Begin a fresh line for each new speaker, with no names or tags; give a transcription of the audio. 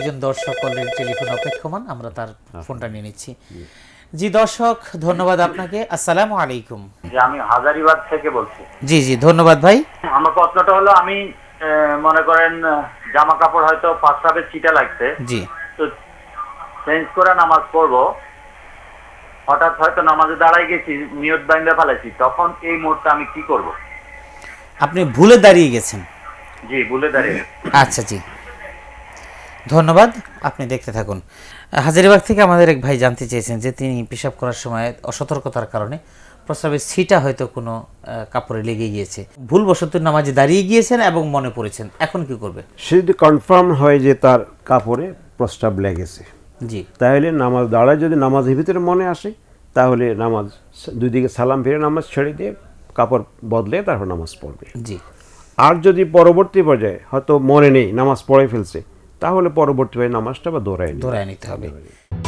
একজন দর্শক already telephone অপেক্ষমান, আমরা তার ফোনটা নিয়ে নিচ্ছি। জি দর্শক, ধন্যবাদ আপনাকে। আসসালামু আলাইকুম।
আমি হাজারিবাগ থেকে বলছি।
জি জি, ধন্যবাদ ভাই।
আমার প্রশ্নটা হলো, আমি মনে করেন জামা কাপড় হয়তো পাঁচটাবে ছিটা লাগছে,
জি,
তো চেঞ্জ করে নামাজ পড়বো, হঠাৎ হয়তো নামাজে দাঁড়াই গেছি, নিয়ত বাইন্দা ফেলেছি, তখন এই মুহূর্তে আমি কি করব?
আপনি ভুলে দাঁড়িয়ে গেছেন।
জি, ভুলে দাঁড়িয়ে।
আচ্ছা জি, ধন্যবাদ, আপনি দেখতে থাকুন। হাজারীবাগ থেকে আমাদের এক ভাই জানতে চেয়েছেন যে তিনি পেশাব করার সময় অসতর্কতার কারণে প্রস্রাবের ছিটা হয়তো কোনো কাপড়ে লেগে গিয়েছে, ভুলবশত নামাজে দাঁড়িয়ে গিয়েছেন এবং মনে পড়েছেন, এখন কি করবে?
সে যদি কনফার্ম হয় যে তার কাপড়ে প্রস্রাব লেগেছে,
জি,
তাহলে নামাজ দাঁড়ায় যদি নামাজের ভিতরে মনে আসে, তাহলে নামাজ দুই দিকে সালাম ফিরে নামাজ ছেড়ে দিয়ে কাপড় বদলে তারপর নামাজ পড়বে।
জি,
আর যদি পরবর্তী পর্যায়ে হয়তো মনে নেই, নামাজ পড়ে ফেলছে, তাহলে পরবর্তী নামাজটা বা দৌড়ায়
ধরে নিতে হবে।